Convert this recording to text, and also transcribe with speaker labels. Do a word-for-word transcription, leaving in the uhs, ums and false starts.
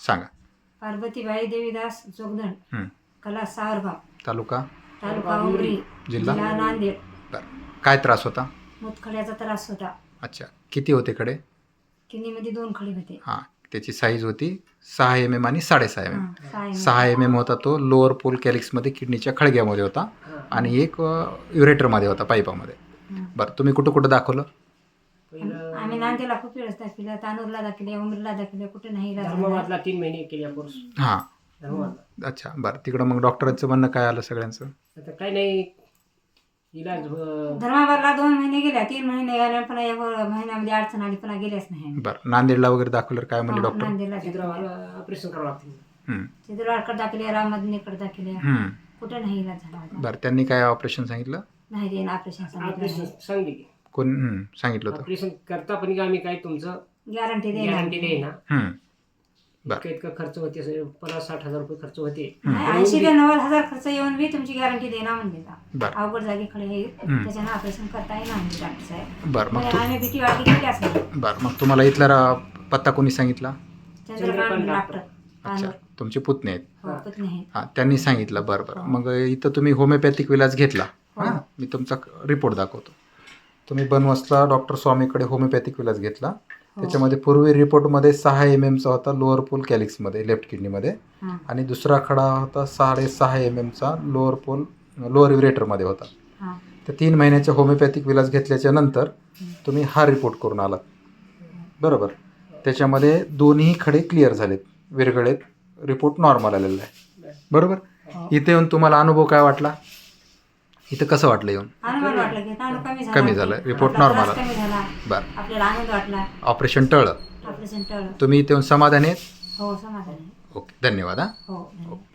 Speaker 1: सांगा.
Speaker 2: पार्वतीबाई देवीदास जोगदंड,
Speaker 1: हं.
Speaker 2: कला सावरगाव,
Speaker 1: तालुका
Speaker 2: तालुका उमरी,
Speaker 1: जिल्हा
Speaker 2: जिल्हा नांदेड.
Speaker 1: बरं. काय त्रास होता?
Speaker 2: मुतखड्याचा त्रास होता.
Speaker 1: अच्छा. किती होते खडे?
Speaker 2: किडनीमध्ये दोन खडी होते.
Speaker 1: हां. त्याची साईज होती सहा एम एम आणि साडेसहा एम एम.
Speaker 2: हां, सहा एम एम.
Speaker 1: सहा एम एम होता तो लोअर पोल कॅलिक्समध्ये किडनीच्या खळग्यामध्ये होता आणि एक युरेटरमध्ये होता पाईपामध्ये.
Speaker 2: हं.
Speaker 1: बरं. तुम्ही कुठं कुठं दाखवलं?
Speaker 2: आम्ही नांदेडला खूप वेळेस दाखवलं, तानूरला दाखवले, उमरीला दाखवले, कुठे नाही इलाज झाला.
Speaker 3: धर्माबादला तीन महिने केल्या कोर्स.
Speaker 1: हां.
Speaker 3: धर्माबादला.
Speaker 1: अच्छा. बरं. तिकडं मग डॉक्टरांचं म्हणणं काय आलं सगळ्यांचं?
Speaker 3: आता काही नाही इलाज अं,
Speaker 2: धर्माबादला दोन महिने गेल्या, तीन महिने गेल्या, पुन्हा एक महिन्यामध्ये अडचण आली, पुन्हा गेल्याच नाही.
Speaker 1: बरं. नांदेडला वगैरे दाखवलं काय म्हणले
Speaker 2: हां,
Speaker 1: डॉक्टर?
Speaker 2: नांदेडला
Speaker 3: छिद्रावर ऑपरेशन करावं लागते.
Speaker 1: हं.
Speaker 2: चित्रवाडकडे दाखवले, राममधनेकडे दाखवले,
Speaker 1: हं.
Speaker 2: कुठे नाही इलाज झाला होता.
Speaker 1: बरं. त्यांनी काय ऑपरेशन सांगितलं?
Speaker 2: नाही ते ऑपरेशन
Speaker 3: ऑपरेशन
Speaker 2: सांगितलं,
Speaker 3: सांगली की
Speaker 1: कोण हं, सांगितलं होतं?
Speaker 3: ऑपरेशन करता पण का आम्ही काय तुमचं
Speaker 2: गॅरंटी
Speaker 3: गॅरंटी
Speaker 2: देणार.
Speaker 3: देईना.
Speaker 1: हं. बरं.
Speaker 3: इतकं इतकं खर्च होते असे पन्नास साठ हजार रुपये खर्च होते.
Speaker 2: ऐंशी ते नव्वद हजार खर्च येऊन बी तुमची गॅरंटी देणार म्हणले का.
Speaker 1: बरं.
Speaker 2: अवघड जागी खडे आहे,
Speaker 1: हं.
Speaker 2: त्याच्यानं ऑपरेशन करता येणार म्हणजे डॉक्टर साहेब.
Speaker 1: बरं. मग
Speaker 2: पण
Speaker 1: तू
Speaker 2: आम्ही भीती वाटली गेल्याच नाही.
Speaker 1: बरं. मग तुम्हाला इथला रा- पत्ता कोणी सांगितला?
Speaker 2: चंद्रकांत
Speaker 3: चंद्रकांत
Speaker 2: डॉक्टर
Speaker 1: अच्छा.
Speaker 2: तानूर.
Speaker 1: तुमचे पुतणे आहेत.
Speaker 2: हो, पत्नी आहे.
Speaker 1: हां. त्यांनी सांगितलं. बरं बरं. मग इथं तुम्ही होमिओपॅथिक विलाज घेतला. हां. मी तुमचा रिपोर्ट दाखवतो. तुम्ही बनवसला डॉक्टर स्वामीकडे होमिओपॅथिक विलाज घेतला. त्याच्यामध्ये पूर्वी रिपोर्टमध्ये सहा एम एमचा होता लोअर पोल कॅलिक्समध्ये लेफ्ट किडनीमध्ये
Speaker 2: हां,
Speaker 1: आणि दुसरा खडा होता साडेसहा एम एमचा लोअर पोल लोअर युरेटरमध्ये होता.
Speaker 2: हां.
Speaker 1: तर तीन महिन्याच्या होमिओपॅथिक विलाज घेतल्याच्या नंतर तुम्ही हा रिपोर्ट करून आलात. बरोबर. त्याच्यामध्ये दोन्ही खडे क्लिअर झालेत, विरगळेत, रिपोर्ट नॉर्मल आलेला आहे. बरोबर. इथे येऊन तुम्हाला अनुभव काय वाटला? इथं कसं वाटलं येऊन?
Speaker 2: आनंद वाटला की ताणू कमी झाला.
Speaker 1: कमी झालं, रिपोर्ट
Speaker 2: आपला
Speaker 1: नॉर्मल
Speaker 2: त्रास
Speaker 1: आला.
Speaker 2: कमी झाला.
Speaker 1: बरं.
Speaker 2: आपल्याला आनंद वाटला.
Speaker 1: ऑपरेशन टळलं.
Speaker 2: ऑपरेशन टळलं.
Speaker 1: तुम्ही इथे येऊन समाधानी आहेत?
Speaker 2: हो, समाधान आहे.
Speaker 1: ओके. धन्यवाद. हां.
Speaker 2: हो, धन्यवाद.